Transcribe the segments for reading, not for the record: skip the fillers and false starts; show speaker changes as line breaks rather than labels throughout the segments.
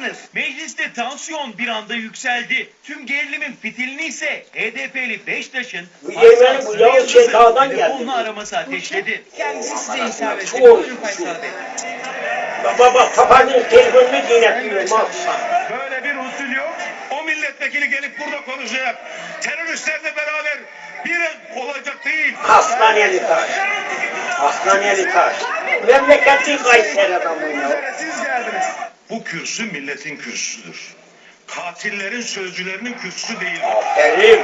mısınız? Mecliste tansiyon bir anda yükseldi. Tüm gerilimin fitilini ise HDP'li Beştaş'ın
Yemeğini bu Yavuz Çekağ'dan geldi.
telefonla araması ateşledi.
Kendisi size hitap etti.
Çok.
Buyurun Faysal Bey.
Baba papazın telefonunu dinletiyorum.
Böyle bir usul yok. O milletvekili gelip burada konuşacak. Teröristlerle beraber bir olacak değil.
Hastaneli taş. Hastaneli taş. Memleketi Kayseri adamı ya.
Siz geldiniz. Bu kürsü milletin kürsüsüdür. Katillerin sözcülerinin kürsüsü değil.
Aferin.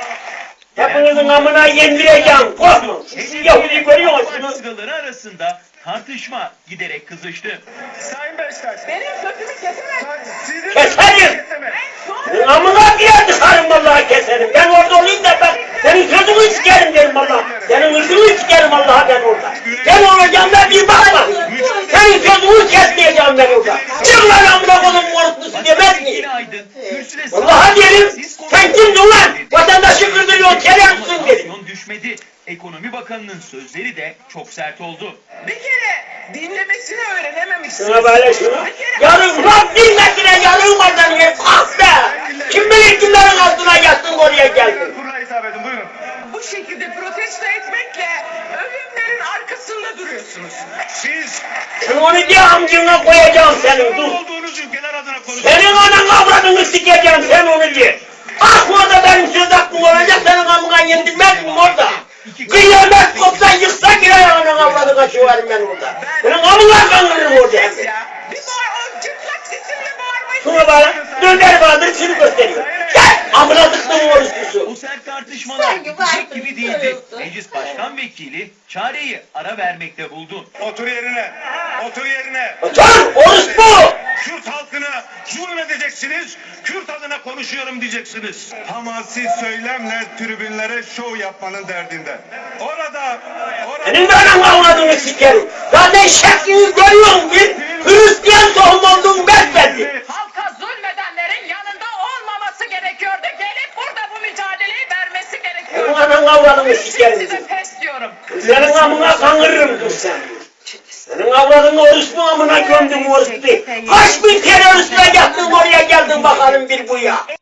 Hepinizin amına yendireceğim. Korkma. Siz Yahudi görüyor musunuz?
Sıraları arasında tartışma giderek kızıştı.
Sayın Beştaş.
Benim sözümü kesemezsiniz.
Sizin
Keserim. Senin amına diye tıkarım vallahi keserim. Ben orada olayım da ben senin sözünü sikerim derim vallahi. Senin hırsını sikerim vallahi ben orada. Ben olacağım da bir bakma. Senin sözünü kesmeyeceğim ben orada. Çık lan amına koyduğum orospusu demez miyim?
Yine Aydın kürsüde
Vallahi derim. Sen kimsin ulan? Vatandaşı kırdırıyor, terörsün derim.
tansiyon düşmedi. Ekonomi Bakanı'nın sözleri de çok sert oldu.
Bir kere dinlemesini öğrenememişsiniz.
Şuna böyle şunu. Yarın bak dinmesine yarın oradan ye. Ah be! Kim bilir kimlerin altına yattın oraya geldin.
Kurula hitap edin buyurun.
Bu şekilde protesto etmekle ölümlerin arkasında duruyorsunuz.
Siz
Sen onu diye amcına koyacağım senin
sorumlu
dur.
olduğunuz ülkeler adına konuşun.
Senin anan avradını sikeceğim sen onu diye. Ah orada benim söz hakkım olacak senin amına yendirmez miyim orada? Kıyamet kopsa yıksa girer anan avradı kaçıverim ben orada. Senin amına kanırırım orada hem de.
Ya bir o çıplak sesimle bağırmayı.
Şuna bana döner vardır şunu gösteriyor. Gel amına tıktım orospusu.
Bu sert tartışmalar
Sanki
bitecek
varsın,
gibi değildi.
söylüyorsun.
Meclis Başkan Vekili çareyi ara vermekte buldu.
Otur yerine. Otur yerine.
Otur orospu.
Kürt halkına zulmedeceksiniz. Kürt adına konuşuyorum diyeceksiniz. Hamasi söylemle tribünlere şov yapmanın derdinde. Orada
Senin de anan avradını sikerim. Zaten şeklini görüyorum bir Hristiyan tohum olduğum besbelli.
Halka zulmedenlerin yanında olmaması gerekiyordu. Gelip burada bu mücadeleyi vermesi
Senin
gerekiyordu.
anan avradını sikerim.
Size pes diyorum.
Senin amına kanırırım dur sen. Senin avradını orospu amına gömdüm orospu. Kaç bin teröristle yattın oraya geldin bakalım bir bu ya.